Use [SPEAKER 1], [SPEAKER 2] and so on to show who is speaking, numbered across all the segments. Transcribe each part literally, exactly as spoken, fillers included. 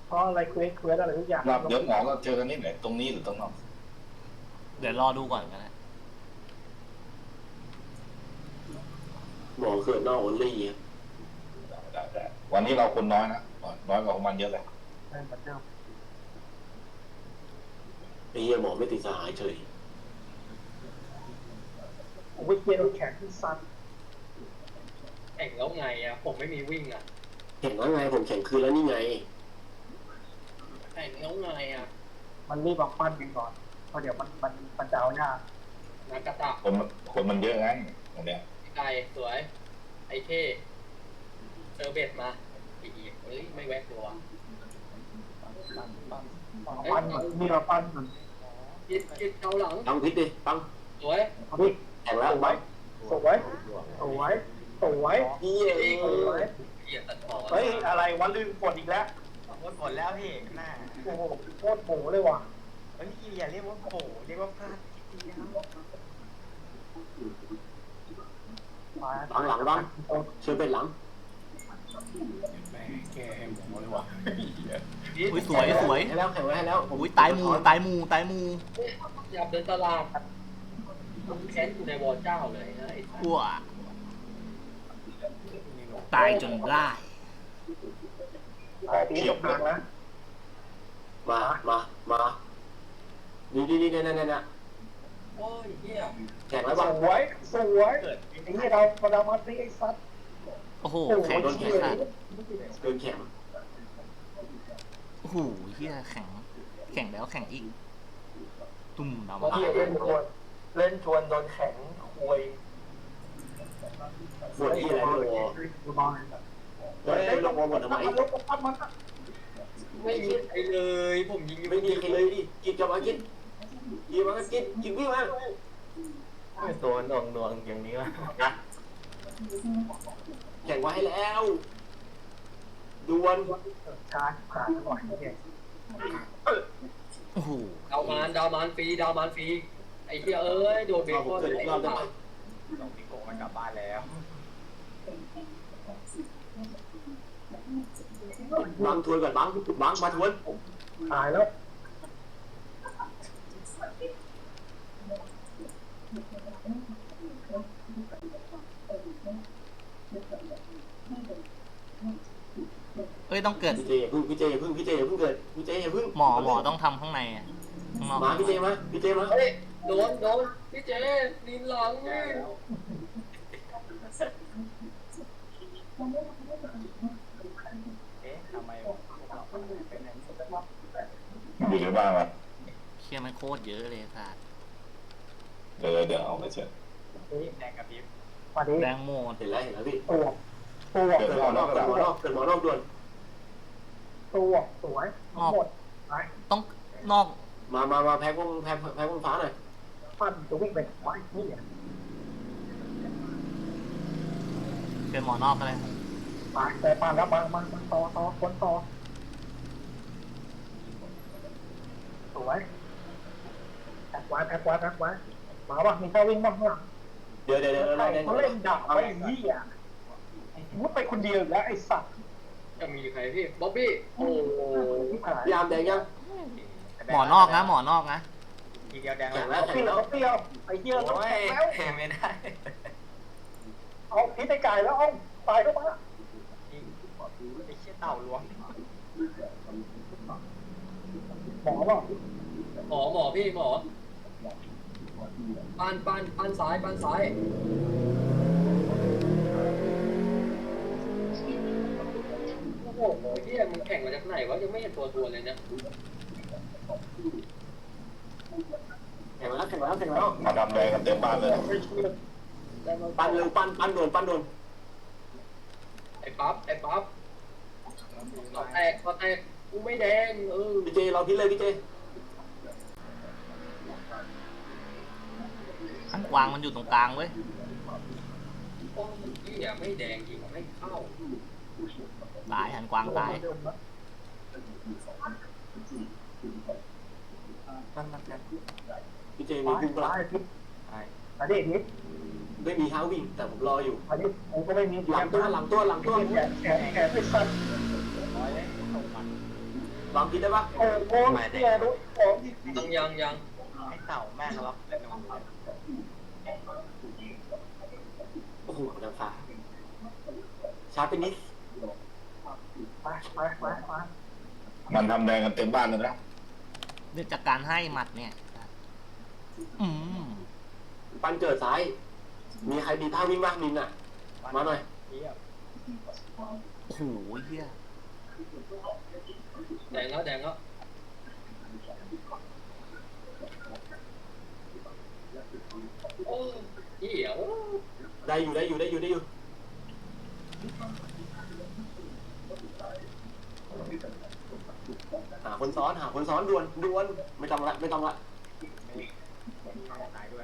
[SPEAKER 1] เพราะอะไรเควสเควสอะไรทุกอย่าง
[SPEAKER 2] เดี๋ยวหมอก็เจอกันนี่ไหนตรงนี้หรือตรงนอก
[SPEAKER 3] เดี๋ยวรอดูก่อนกันนะ
[SPEAKER 4] หมอเขื่อนนอกอลี่
[SPEAKER 2] ได้ได้วันนี้เราคนน้อยนะน้อยกว่าของมันเยอะเลย
[SPEAKER 1] ใช่ปัจเจ้า
[SPEAKER 4] ไอ้เหี้ยหมอไม่ติดสหายเฉย
[SPEAKER 1] ผมไปเกียร์แข็งที่ซัน
[SPEAKER 5] แข่งแล้วไงอ่ะผมไม่มีวิ่งอ่ะ
[SPEAKER 4] แข่งแล้วไงผมแข่งคืนแล้วนี่ไง
[SPEAKER 5] แข่งแล้วไงอ่ะ
[SPEAKER 1] มันรีบบอกปั้นกันก่อนเพราะเดี๋ยวมันมันมันจะเอายาก
[SPEAKER 5] นากาตะ
[SPEAKER 2] คนคนมันเยอะไงตรงเนี้ย
[SPEAKER 5] ไก่สวยไอเท่เจอเบ็ดมาอีกเฮ้ยไม่แวะตัว
[SPEAKER 1] ปั้นนี่เราปั้นมัน
[SPEAKER 5] คิดคิดเกาหลัง
[SPEAKER 4] ปังพิษดิปัง
[SPEAKER 5] สวย
[SPEAKER 1] พี่
[SPEAKER 4] แข่งแล้ว
[SPEAKER 1] สวยสวยสวยสวย
[SPEAKER 4] เหี้ย
[SPEAKER 1] สวย
[SPEAKER 5] เกียร์ตัดต่อ
[SPEAKER 1] เฮ้ยอะไรวะลืมกดอีกแล้ว
[SPEAKER 6] กดกดแล้วพี่หน้า
[SPEAKER 1] โอ้โหโคตรโผเลยว่ะ
[SPEAKER 6] เฮ้ยอย่าเรียกว่าโผเรียกว่าพลาดทีเดียว
[SPEAKER 4] หลังหลังบ้างช่วยเป็นหลัง
[SPEAKER 6] แม่แกหมอเลยว่ะ
[SPEAKER 3] อุ้ยสวยสวย
[SPEAKER 4] ให้แล้วแข่งไว้ให้แล้ว
[SPEAKER 3] อุ้ยตายมูตายมูตายมู
[SPEAKER 5] อย่าเดินตลาดแค้นอยู่ในวอเจ้าเลยนะไอ้
[SPEAKER 3] อ้วตายจนได้
[SPEAKER 1] ตีตกทางนะ
[SPEAKER 4] มามามานี่นี่นี่นี่นี่นี่
[SPEAKER 5] โอ้ยเหี้ย
[SPEAKER 4] แข่งแล้วบ้าง
[SPEAKER 1] สวยสวยไอ้นี่เราเรามาตีไอ้ซัด
[SPEAKER 3] โอ้โหแข็งแข็งสัตว์
[SPEAKER 4] เกินแข็ง
[SPEAKER 3] โอ้โหเฮียแข็งแข็งแล้วแข็งอีกตุ่มน้ำมัน
[SPEAKER 1] เล่นชวนเล่นชวนโดนแข็งคุย
[SPEAKER 4] ปวดที่อะไรไม่รู้เฮ้ยลงมาหมดทำไม
[SPEAKER 5] ไม่มีใครเลยผมยิง
[SPEAKER 4] ไม่มีใครเลยดิกินจะมากินกินมากินกินวิ่งมา
[SPEAKER 6] ตัวหน่วงหน่วงอย่างนี้วะ
[SPEAKER 4] แข่งไว้ให้แล้วดวล
[SPEAKER 1] ชาร์จขาดหน่อยเนี่ย
[SPEAKER 3] โอ้โห
[SPEAKER 5] ดาวมานดาวมานฟรีดาวมานฟรีไอ้เหี้ยเอ้ยโดนเบคอนไอ้
[SPEAKER 6] เราสองปีโกมันกลับบ้านแล้ว
[SPEAKER 4] บังทวนก่อนบังบังมาทวน
[SPEAKER 1] ตายแล้ว
[SPEAKER 3] เอ้ยต้องเกิด
[SPEAKER 4] พี่เจพึ่งพี่เจพึ่งพี่เจพึ่งเกิดพี่เจพึ่ง
[SPEAKER 3] หมอหมอต้องทำข้างในอ่ะข้างนอก
[SPEAKER 4] มาพี่เจมาพี่เจมา
[SPEAKER 5] เฮ้ยโดนโดนพี่เจนินหลังนี่
[SPEAKER 6] เอ๊ะทำไมเป็นอย่างนี้
[SPEAKER 2] อยู่ในบ้านวะ
[SPEAKER 3] เชี่ยมันโคตรเยอะเลยสัตว์
[SPEAKER 2] เดี๋ยวเดี๋ยวเอาไปเช็ด
[SPEAKER 6] แดงกับพิบ
[SPEAKER 3] แดงโมด
[SPEAKER 4] เห็นแล้วเห็นแล้วพี่
[SPEAKER 1] ตัวตัว
[SPEAKER 4] เกิดหมอนอกเกิดหมอนอกเกิดหมอนอกด่วน
[SPEAKER 1] ตัวสวยหมด
[SPEAKER 3] ต้องนอก
[SPEAKER 4] มามามาแพ้วงแพ้แพ้วงฟ้าหน่อย
[SPEAKER 1] ปั้นจะวิ่งไปไว้นี่เนี่ย
[SPEAKER 3] เกิดหมอนอกกันเลย
[SPEAKER 1] มาแต่ปั้นแล้วมามาต่อต่อคนต่อสวยแท็กไว้แท็กไว้แท็กไว้มาบ้างมีข้าวิ่งบ้างข้างหลัง
[SPEAKER 4] เดี๋ยวเดี๋ยวเดี๋ยว
[SPEAKER 1] เขาเล่นดักไว้ยี่อ่ะมุดไปคนเดียวแล้วไอ้สัตว์
[SPEAKER 5] จะมีใครพี่บ๊อบบี้โอ้
[SPEAKER 4] ยามแดงยัง
[SPEAKER 3] หมอนอกนะหมอนอกนะ
[SPEAKER 6] ทีเดียวแดง
[SPEAKER 1] แล้วเปรี้ยวเปรี้ยวไอ้เหี้ยแล้ว
[SPEAKER 6] ไม่ได้
[SPEAKER 1] เอาพิษไอ้ไก่แล้วเอาตายเข้ามา
[SPEAKER 6] ไอ้เชี่ยเต่าล้วง
[SPEAKER 1] หมอป่ะ
[SPEAKER 5] หมอหมอพี่หมอปั้นปั้นปั้นซ้ายปั้นซ้ายโอ้โหเฮียมึงแข่งมาจากไหนวะยังไม่เห็นตัวตัวเลยเนี่ย
[SPEAKER 4] แข่งแล้วแข่งแล้วแข่งแล้ว
[SPEAKER 2] มาดำแดงกันเต็มบ้านเลย
[SPEAKER 4] ปั้นเร็วปั้นปั้นโดนปั้นโดน
[SPEAKER 5] ไอ้ปั๊บไอ้ปั๊บต่อแตกต่อแตกกูไม่แดงเออ
[SPEAKER 4] พี่เจเราพิษเลยพี่เจ
[SPEAKER 3] ข้างกวางมันอยู่ตรงกลางเว้ย
[SPEAKER 5] โอ้ยเหี้ยไม่แดงยิงไม่เข้า
[SPEAKER 3] ตายหันกวางตาย
[SPEAKER 6] ปั้นมันกัน
[SPEAKER 4] พี่เจมีพุ่งปลา
[SPEAKER 1] อันนี้นิด
[SPEAKER 4] ไม่มีเท้าวิ่งแต่ผมรออยู่
[SPEAKER 1] อันนี้ผมก็ไม่มี
[SPEAKER 4] หลังตัวหลังตัวหลังตัว
[SPEAKER 1] แขนแขนแขนไปสั่น
[SPEAKER 6] ร้อยเลยตกมัน
[SPEAKER 4] วางพิษได้ปะ
[SPEAKER 1] โอ้โหเสียดูของที่
[SPEAKER 5] ยังยังยัง
[SPEAKER 6] ไอ้เต่าแม่งล็อกเป็นนูนเลย
[SPEAKER 4] โอ้โหนางฟ้าช้าไปนิด
[SPEAKER 1] ไปไปไปไป
[SPEAKER 2] มันทำแดงกันเต็มบ้านเลยนะ
[SPEAKER 3] เนื่องจากการให้หมัดเนี่ย อืม
[SPEAKER 4] ปันเกิดซ้าย มีใครมีท่าวิ่งบ้างมินอ่ะ มาหน่อย
[SPEAKER 6] เยี่ยม
[SPEAKER 3] โอ้โหเฮีย
[SPEAKER 5] แดงแล้วแดงแล้วโอ้เหี้ยว
[SPEAKER 4] ได้อยู่ได้อยู่ได้อยู่ได้อยู่หาคนซ้อนหาคนซ้อนด่วนด่วนไม่ต้องละไม่ต้องละ
[SPEAKER 6] ตายด้วย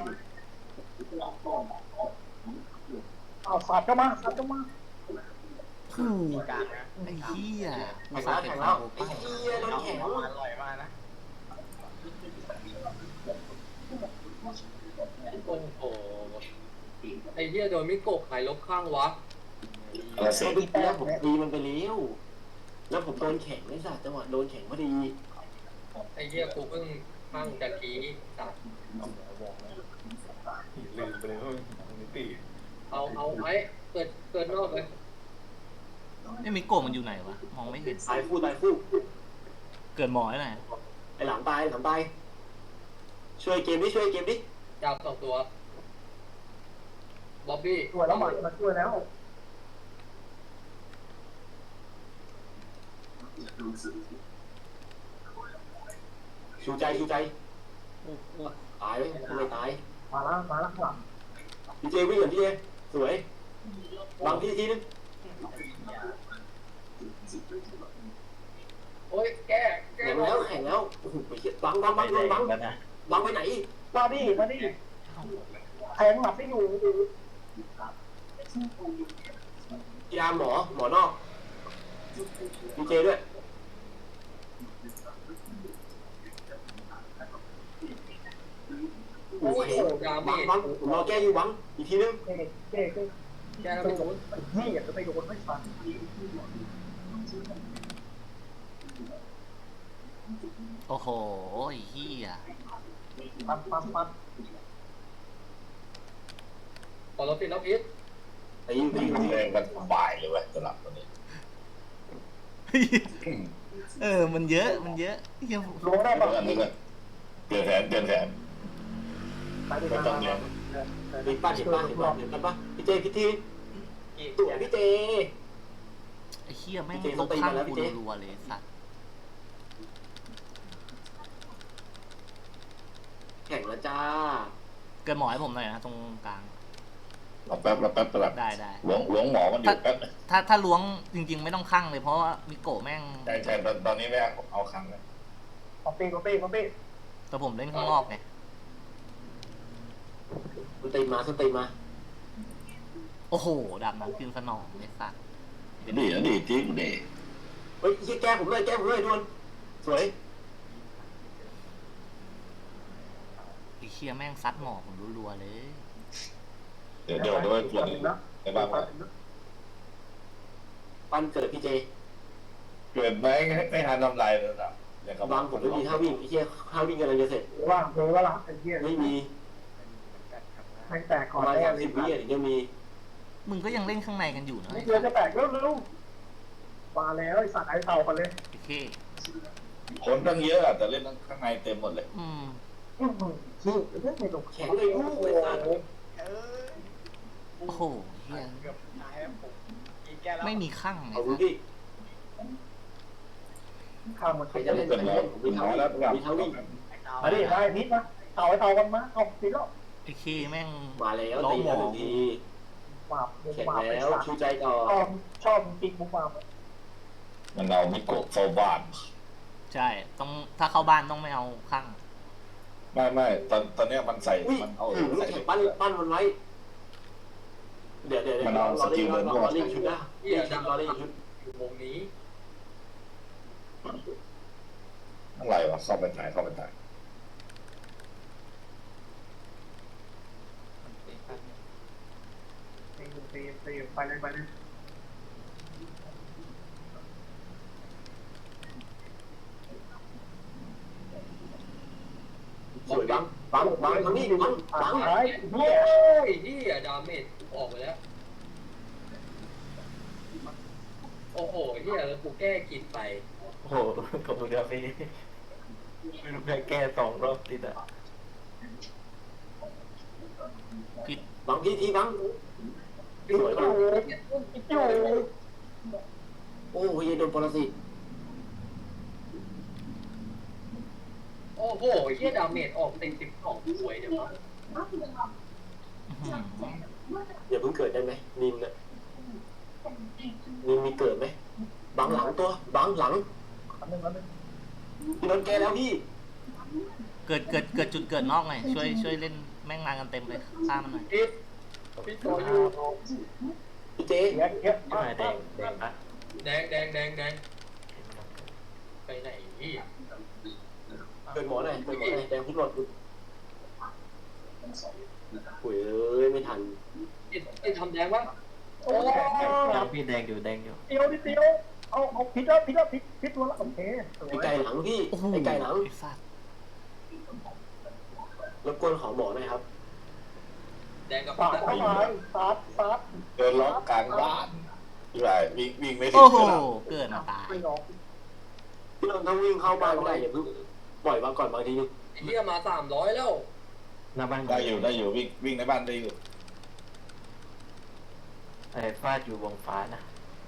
[SPEAKER 1] เอาสัตว์ก็มาสัตว์ก็มา
[SPEAKER 3] โอ้โห
[SPEAKER 6] กลางนะ
[SPEAKER 3] ไอ้เฮีย
[SPEAKER 4] แข่
[SPEAKER 3] มาง สา
[SPEAKER 4] แล้ว
[SPEAKER 3] เก็บ
[SPEAKER 4] แข่ง
[SPEAKER 3] คา
[SPEAKER 4] แล้ว
[SPEAKER 3] โบ
[SPEAKER 4] ไอ้
[SPEAKER 3] ป้า
[SPEAKER 4] เหี้ยโดน
[SPEAKER 6] เอา
[SPEAKER 4] แข่ง
[SPEAKER 6] เอาอร่อยมากนะ
[SPEAKER 5] โอ้โหไอ้เหี้ยโดนมิโกะหายลบข้างวะ
[SPEAKER 2] อะไรเสร็
[SPEAKER 4] ก็
[SPEAKER 2] จ
[SPEAKER 4] ดีแล้วผมตีมันไปแล้วแล้วผมโดนแข่งไอ้สัตว์จังหวะโดนแข่งพอดี
[SPEAKER 5] ไอ้เหี้ยกูเพิ่งข้างตะกี้สัตว์
[SPEAKER 6] ลืมไปเลยว่ามันมีปี
[SPEAKER 5] เอาเอาไว้เกิดเกิดนอกเลย
[SPEAKER 3] ไอ้มิโกะมันอยู่ไหนวะ มองไม่เห็น
[SPEAKER 4] ตายคู่ตายคู่
[SPEAKER 3] เกิดหมอไว้ไหน
[SPEAKER 4] ไอ้หลังตายหลังตายช่วยเกมดิช่วยเกมดิ
[SPEAKER 5] จับสองตัวบ๊อบบี้
[SPEAKER 1] ช่วยแล้วหมัดมาช่วยแล้ว
[SPEAKER 4] ชูใจชูใจ
[SPEAKER 3] โอ้โห
[SPEAKER 4] ตายไหมทำไมตาย
[SPEAKER 1] มาแล้วมาแล้วหลัง
[SPEAKER 4] พี่เจวิ่งเหมือนพี่เจสวยบังพี่ทีนึง
[SPEAKER 5] โอ้ยแก้แก้
[SPEAKER 4] แข่งแล้วแข่งแล้วโอ้โหไปเหี้ยบังบังบังบังบังบังไปไหน
[SPEAKER 1] มาดิมาดิแทงหมัดไม่อยู่
[SPEAKER 4] ยาหมอหมอนอกพี่เจด้วยโอ้โหบังบังผมรอแก้อยู่บังอีกทีนึง
[SPEAKER 1] เจ๊เจ๊เจ๊
[SPEAKER 5] แก้แล้ว
[SPEAKER 1] ไป
[SPEAKER 5] ไม่
[SPEAKER 1] โด
[SPEAKER 5] โด
[SPEAKER 1] น
[SPEAKER 5] น
[SPEAKER 1] นี่อยากจะไปโดนไม่ฟัน
[SPEAKER 3] โอ้โหไอ้เฮีย
[SPEAKER 1] ปันปันปัน
[SPEAKER 5] พอเราติดแล้วพิษ
[SPEAKER 4] ตีอยู่ตีอยู่ตี
[SPEAKER 2] แดงกันบ่ายเลยเว้ยสลับตัวนี้
[SPEAKER 3] เออ มันเยอะ มันเยอะเฮีย
[SPEAKER 1] ลงได้
[SPEAKER 2] เดี๋
[SPEAKER 1] ปะ
[SPEAKER 2] ยวอันนี้ก็เปลี่ยนแผนเปลี่ยนแผน
[SPEAKER 1] ไปดิ
[SPEAKER 2] ไม่ต้องแดง
[SPEAKER 4] เห็นป่ะเห็นป่ะเห็นป่ะเห็นป่ะพี่เจพี่ทีตัวพี่เจ
[SPEAKER 3] ไอ้เฮียแม่ง
[SPEAKER 4] พี่เจ
[SPEAKER 3] ล
[SPEAKER 4] ต้อง
[SPEAKER 3] บ
[SPEAKER 4] ตี
[SPEAKER 3] ข้าง
[SPEAKER 4] มาแล้วพี่
[SPEAKER 3] กู
[SPEAKER 4] เจ
[SPEAKER 3] รัวๆเลยสัตว์
[SPEAKER 4] แข่งแล้วจ้า
[SPEAKER 3] เกิดหมอให้ผมหน่อยนะตรงกลาง
[SPEAKER 2] เราแป๊บเราแป๊บสลับ
[SPEAKER 3] ได้ได้
[SPEAKER 2] หลวงหลวงหมอมันอยู่แป๊บ
[SPEAKER 3] ถ้าถ้าล้วงจริง ๆ ไม่ต้องข้างเลยเพราะว่ามิโกะแม่ง
[SPEAKER 2] ใช่ใช่ตอนตอนนี้ไม่เอาเอาครั้งเลย
[SPEAKER 1] คอมปี้คอมปี้คอมปี้
[SPEAKER 3] แต่ผมเล่นข้างนอกไง
[SPEAKER 4] สุตีมาสุตีมา
[SPEAKER 3] โอ้โหดาบน้ำคืนสนองเลยสัตว์
[SPEAKER 2] ดีนะดีจริงดี
[SPEAKER 4] เฮ้ยแก้ผมเลยแก้ผมเลยด่วนสวย
[SPEAKER 3] ไอ้เชียแม่งซัดหมอผมรัวๆเลย
[SPEAKER 2] เดี๋ยวเดี๋ยวด้วยส่วนในบ้านว่า
[SPEAKER 4] ปั้นเกิดพี่เจ
[SPEAKER 2] เกิดไหมไม่ทันทำลายเลยนะอย่างกับบ
[SPEAKER 4] างผมไม่มีท่าวิ่งพี่เจท่าวิ่งกำลังจะเสร็จ
[SPEAKER 1] ว่างเลยว่าละไอ้เหี้ย
[SPEAKER 4] ไม่มี
[SPEAKER 1] แทงแตก
[SPEAKER 4] ป
[SPEAKER 1] ก่อน
[SPEAKER 4] ระมาณ
[SPEAKER 1] แน่
[SPEAKER 4] สาม
[SPEAKER 1] เล
[SPEAKER 4] สิ
[SPEAKER 1] ย
[SPEAKER 4] บวิถึงจะมี
[SPEAKER 3] มึงก็ยังเล่นข้างในกันอยู่นะ
[SPEAKER 1] ไม่
[SPEAKER 3] ไอ้
[SPEAKER 1] เจอ
[SPEAKER 3] สั
[SPEAKER 1] จะ
[SPEAKER 3] ตว์
[SPEAKER 1] แตกเร็วเร็วมาแล้วไอ้สัตว์ไอ้เต่ากันเลย
[SPEAKER 3] ไอ้เค
[SPEAKER 2] คนตั้งเยอะอะแต่เล่นข้างในเต็มหมดเลย
[SPEAKER 3] อืม
[SPEAKER 1] อื้อหือชื่อเรื่องในหลง
[SPEAKER 4] แข็งเลยลูกไอ้สัตว์
[SPEAKER 6] เออ
[SPEAKER 3] โอ้โหเฮีย
[SPEAKER 6] เกือบตายแล้วผมกินแก้แล้ว
[SPEAKER 3] ไม่มีข้างไง
[SPEAKER 4] เอาดู
[SPEAKER 3] สัตว์
[SPEAKER 4] ดิ
[SPEAKER 1] ข้าวมัน
[SPEAKER 4] ใครจะเล่นใครจะเล่นผมมี
[SPEAKER 2] หม
[SPEAKER 4] ท่า
[SPEAKER 2] อ
[SPEAKER 4] วิ่
[SPEAKER 2] แล้ว
[SPEAKER 4] งมีท่าวิ่ง
[SPEAKER 6] ไอ้เต่า
[SPEAKER 1] มาดิได้นิดนะเต่าไอ้เต่ากันมาเอาติดแล้ว
[SPEAKER 3] ไอ้เคแม่ง
[SPEAKER 4] มาแล้วตีแล้วหนึ่งที
[SPEAKER 1] หมาบมุก
[SPEAKER 4] แข่ง
[SPEAKER 1] หมาบไอ้
[SPEAKER 4] แล้ว
[SPEAKER 1] สัตว์
[SPEAKER 4] ชูใจต่อ
[SPEAKER 1] ชอบชอบปิกมุกหมาบ
[SPEAKER 2] มันเอามิโกะเข้าบ้าน
[SPEAKER 3] ใช่ต้องถ้าเข้าบ้านต้องไม่เอาข้าง
[SPEAKER 2] ไม่ไม่ตอนตอนเนี้ยมันใส่
[SPEAKER 4] อุ้ย
[SPEAKER 2] มันเอา
[SPEAKER 4] ถึง
[SPEAKER 2] ใส่
[SPEAKER 4] แข่งปั้นปั้นมันไว้เดี๋ยวเดี๋ยวเดี๋ยวรอเล่นรอเล่นชุดนะเล่นชุดรอเล่นชุด
[SPEAKER 5] อยู่วงนี้
[SPEAKER 2] อะไรวะเข้าไปถ่ายเข้าไปถ่าย
[SPEAKER 1] ตีตีตีไปเลยไปเลย
[SPEAKER 4] บังบังทางนี้บังบัง
[SPEAKER 1] หาย
[SPEAKER 5] โอ้ยนี่อะดาเมจออกไปแล้ว โอ้โหเฮียแล้วกูแก้กินไป
[SPEAKER 7] โอ้โหขอบคุณครับพี่ไม่รู้จะแก้สองรอบติดอ่ะ
[SPEAKER 3] ผิด
[SPEAKER 4] บังทีทีบัง
[SPEAKER 1] ปิดอยู่ปิดอยู่
[SPEAKER 4] โอ้ยโดนปรสิต
[SPEAKER 5] โอ้โหเฮียดาเมจออกเต็มสิบสองสวยเดี๋ยววะ
[SPEAKER 3] อื้อหือ
[SPEAKER 4] อย่าเพิ่งเกิดได้ไหมนินน่ะนินมีเกิดไหมบังหลังตัวบังหลัง
[SPEAKER 1] อันนึงอันนึง
[SPEAKER 4] พี่นนท์แกแล้วพี่
[SPEAKER 3] เกิดเกิดเกิดจุดเกิดนอกหน่อยช่วยช่วยเล่นแม่งมากันเต็มเลยฆ่ามันหน่อย
[SPEAKER 5] พี่พี่ต่ออยู่
[SPEAKER 4] พี่เจ๊
[SPEAKER 1] เยอะเยอะ
[SPEAKER 7] ไม่มาแดงแดงปะ
[SPEAKER 5] แดงแดงแดงแดงไปไหนพี่
[SPEAKER 4] เกิดหมอหน่อยเกิดหมอหน่อยแดงพุทธหลอดโอ้ยเอ้ยไม่ทัน
[SPEAKER 5] ไอ้ไอ้ทำแดงวะ
[SPEAKER 1] โอ้ย
[SPEAKER 7] แดงพี่แดงอยู่แดงอยู่
[SPEAKER 1] เดียวนิดเดียวเอาเอาพิษแล้วพิษแล้วพิษพิษตัวละโอเคสว
[SPEAKER 4] ไอ้
[SPEAKER 1] ย
[SPEAKER 4] ไก่หลังพี่
[SPEAKER 3] โอ้โห
[SPEAKER 4] ไอ้ไก่หลัง
[SPEAKER 3] ไอ้สัตว์
[SPEAKER 4] รบกวนขอหมอหน่อยครับ
[SPEAKER 5] แดงกับ
[SPEAKER 1] สาดเข้ามาซัดซัด
[SPEAKER 2] เดินล็อกกลางบ้านใช่วิ่งวิ่งไม่ถึ
[SPEAKER 3] โอ้
[SPEAKER 2] ง
[SPEAKER 3] โห
[SPEAKER 2] เวลา
[SPEAKER 3] เกิดมาตาย
[SPEAKER 1] ไม่ออก
[SPEAKER 4] พี่นนท์ถ้าวิ่งเข้าบ้านไม่ได้อย่าเพิ่งปล่อยมาก่อนบางทีนึง
[SPEAKER 5] ไอ้เฮียมาสามร้อยแล้ว
[SPEAKER 7] หน้าบ้าน
[SPEAKER 2] ได้อยู่ได้อยู่วิ่งวิ่งในบ้านได้อยู่
[SPEAKER 7] ไอ้ฟาดอยู่วงฟ้านะ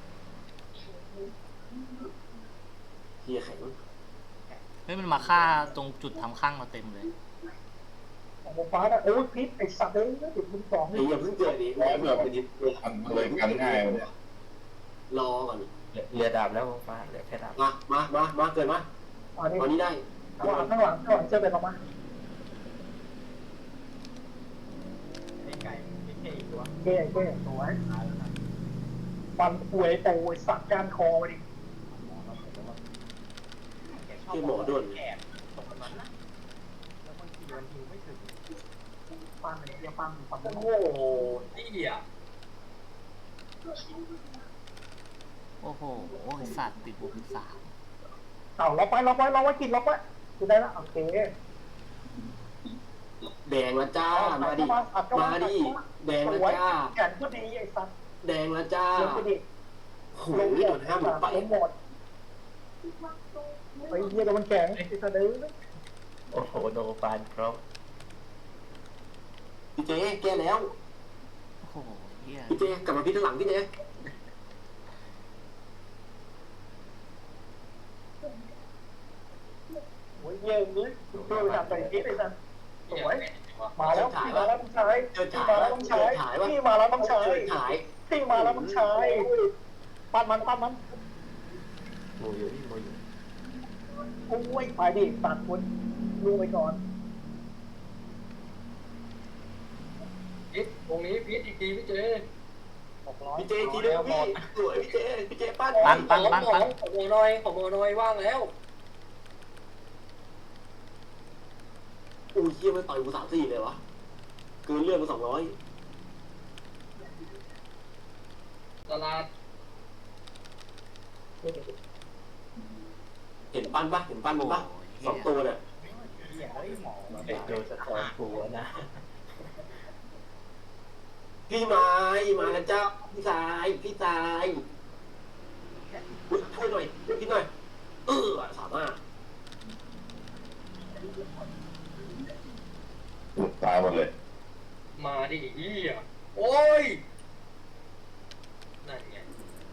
[SPEAKER 4] เฮียแข็ง
[SPEAKER 3] เฮ้ยมันมาฆ่าตรงจุดทำข้างเราเต็มเลย
[SPEAKER 1] ของฟ้าน่ะโอ้ยพิษไอ้สัตว์เลยจุดมึงสอง
[SPEAKER 4] ไอ้
[SPEAKER 1] นี่
[SPEAKER 4] อย่าเพิ่งเกิดดิแรงแบบไปนิด
[SPEAKER 2] มันเลยกันง่ายเลย
[SPEAKER 4] รอก่อน
[SPEAKER 7] เรือดาบแล้ววงฟ้าเหลือแค่ดาบ
[SPEAKER 4] มามามามาเกิดมา
[SPEAKER 1] อันนี้
[SPEAKER 4] ตอนนี้ได้
[SPEAKER 1] ข้างหลังข้างหลังข้างหลังเจอไปออกมา
[SPEAKER 6] ไอ้ไก่ไม่ใช่อีกตัว
[SPEAKER 1] เก้เก้สวยฟันป่วยโตไอ้สัตว์ก้านคอดิ
[SPEAKER 4] ที่หมอด่วน
[SPEAKER 6] แอบตกมันนะแล้วบางทีมันยิงไม่ถึง
[SPEAKER 1] ฟันไอ้เหี้ยฟันฟัน
[SPEAKER 5] โอ้โหนี่อ่ะ
[SPEAKER 3] โอ้โหไอ้สัตว์ติดบวกสาม
[SPEAKER 1] เอาเราไปเราไปเราไว้กินเราไปคือได้แล้วโอเค
[SPEAKER 4] แดงละจ้ามาดิมาดิแดงละจ้า
[SPEAKER 1] แขนก็ดีไอ้สัตว์
[SPEAKER 4] แดงละจ้า
[SPEAKER 1] เลี้ยงก็ดี
[SPEAKER 4] โอ้ยโดนห้ามหมดไป
[SPEAKER 1] ลงหมดไอ้เหี้ยโดนมันแข็งไอ้สัตว์เลย
[SPEAKER 7] โอ้โหโนฟานพร้อม
[SPEAKER 4] พี่เจ๊แก้แล้ว
[SPEAKER 3] โอ้โหเฮีย
[SPEAKER 4] พี่เจ๊กลับมาพี่ข้างหลังพี่เจ๊
[SPEAKER 1] โอ้ยเยี่ยมเลยเพื่อไปทำไปพิษไอ้สัตว์สวย
[SPEAKER 5] วะ
[SPEAKER 1] มาแล้วพี่มาแล้วต้องใช้
[SPEAKER 4] เจิด
[SPEAKER 1] พี่
[SPEAKER 4] ถ่าย
[SPEAKER 1] มาแล้วต้องใช้
[SPEAKER 4] เจิดถ่ายวะ
[SPEAKER 1] พี่มาแล้วต้องใช้
[SPEAKER 4] เจิดถ่าย
[SPEAKER 1] พี่มาแล้วต้องใช้ปั้นมันปั้นมัน
[SPEAKER 7] หมูอยู่นี่หมูอยู่
[SPEAKER 1] โอ้ยไปดิตัดคนลูกไปก่อน
[SPEAKER 5] พิษตรงนี้พิษอีกทีพี่เจ
[SPEAKER 6] หกร้อย
[SPEAKER 4] พี่เจ๊ทีเดียวพี่สวยพี่เจ๊พี่เจ๊ปั้น
[SPEAKER 3] ปั้นปั้น
[SPEAKER 5] ขอ
[SPEAKER 3] ปั้นปั้น
[SPEAKER 5] ขอโมน้อยขอโมน้อยว่างแล้ว
[SPEAKER 4] อู้ยเฮียมันต่อยกูสามสี่เลยวะเกินเรื่องมาสองร้อย
[SPEAKER 5] ตลาด
[SPEAKER 4] เห็นปั้นปะเห็นปั้นมันปะสองตัวเนี่ย
[SPEAKER 6] เหี้ยเฮ้ยหมอ
[SPEAKER 7] ไอ้โดนสะท้อนหัวนะ
[SPEAKER 4] พี่ไม้มาแล้วเจ้าพี่ชายพี่ชายอุ้ยช่วยหน่อยช่วยพี่หน่อยเออสามารถ
[SPEAKER 2] หลุดตายหมดเลย
[SPEAKER 5] มาดิเฮียโอ้ยนั่นไง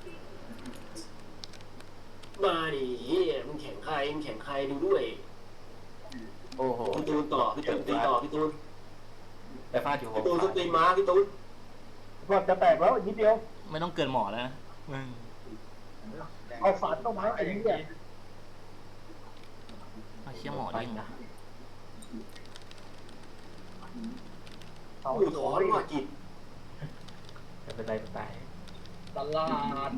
[SPEAKER 4] มาดิเฮียมึงแข่งใครมึงแข่งใครดูด้วย
[SPEAKER 7] โอ้โห
[SPEAKER 4] พี่ตูนต่อพี่ตูนตีต่อพี่ตูน
[SPEAKER 7] ไอ้ฟาดอยู่ว
[SPEAKER 4] พี่
[SPEAKER 7] ง
[SPEAKER 4] ตูนส
[SPEAKER 7] ฟ้า
[SPEAKER 4] ตรีมมาพี่ตูน
[SPEAKER 1] ก่อนจะแตกแล้วอีกนิดเดียว
[SPEAKER 3] ไม่ต้องเกินหมอแล้วนะมึง
[SPEAKER 1] เอาสารเข้ามาไอ้เหี้ย
[SPEAKER 3] เอาเชี่ยหมอดิ้งนะ
[SPEAKER 1] เอา
[SPEAKER 4] อุ้ยถอนว่ากิจ
[SPEAKER 7] จะเป็นไรตาย
[SPEAKER 5] ตลาด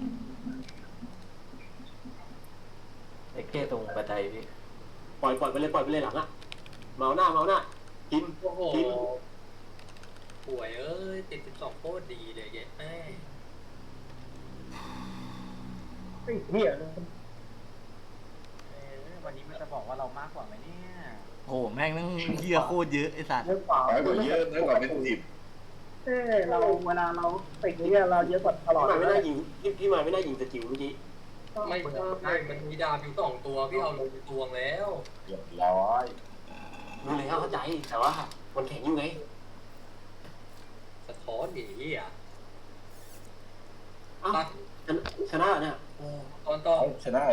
[SPEAKER 7] ไอ้แก้ตรงบันไดพี่
[SPEAKER 4] ปล่อยปล่อยไปเลยปล่อยไปเลยหลังอะเมาหน้าเมาหน้ากิน
[SPEAKER 5] โอ้โห
[SPEAKER 4] กิน
[SPEAKER 5] ป่วยเอ้ยติดสิบสองโคตรดีเลยเย้แม่
[SPEAKER 1] ไอ้เหี้ย
[SPEAKER 6] เออวันนี้มันจะบอกว่าเรามากกว่าไหมเนี่ย
[SPEAKER 3] โอ้โหแม่งนั่งเหี้ยโคตรเยอะไอ้สัตว์
[SPEAKER 1] เยอะกว่า
[SPEAKER 2] น้อยกว่าเยอะน้อยกว่าเป็นสิบ
[SPEAKER 1] เอ้เราเวลาเราติดเนี่ยเราเยอะกว่าตลอด
[SPEAKER 4] พี่มาไม่น่ายิงพี่พี่มาไม่น่ายิงสกิลเมื่อกี้
[SPEAKER 5] ไม่ใช่มันมีดาบอยู่สองตัวพี่เอาลงไปตวงแล้ว
[SPEAKER 2] เรียบร้อย
[SPEAKER 4] รู้แล้วเข้าใจแต่ว่ามันแข็งอยู่ไง
[SPEAKER 5] สะท้อนหนีอ่ะ
[SPEAKER 4] อ้าวชนะชนะเนี่ย
[SPEAKER 5] ตอนต่อ
[SPEAKER 2] ชนะ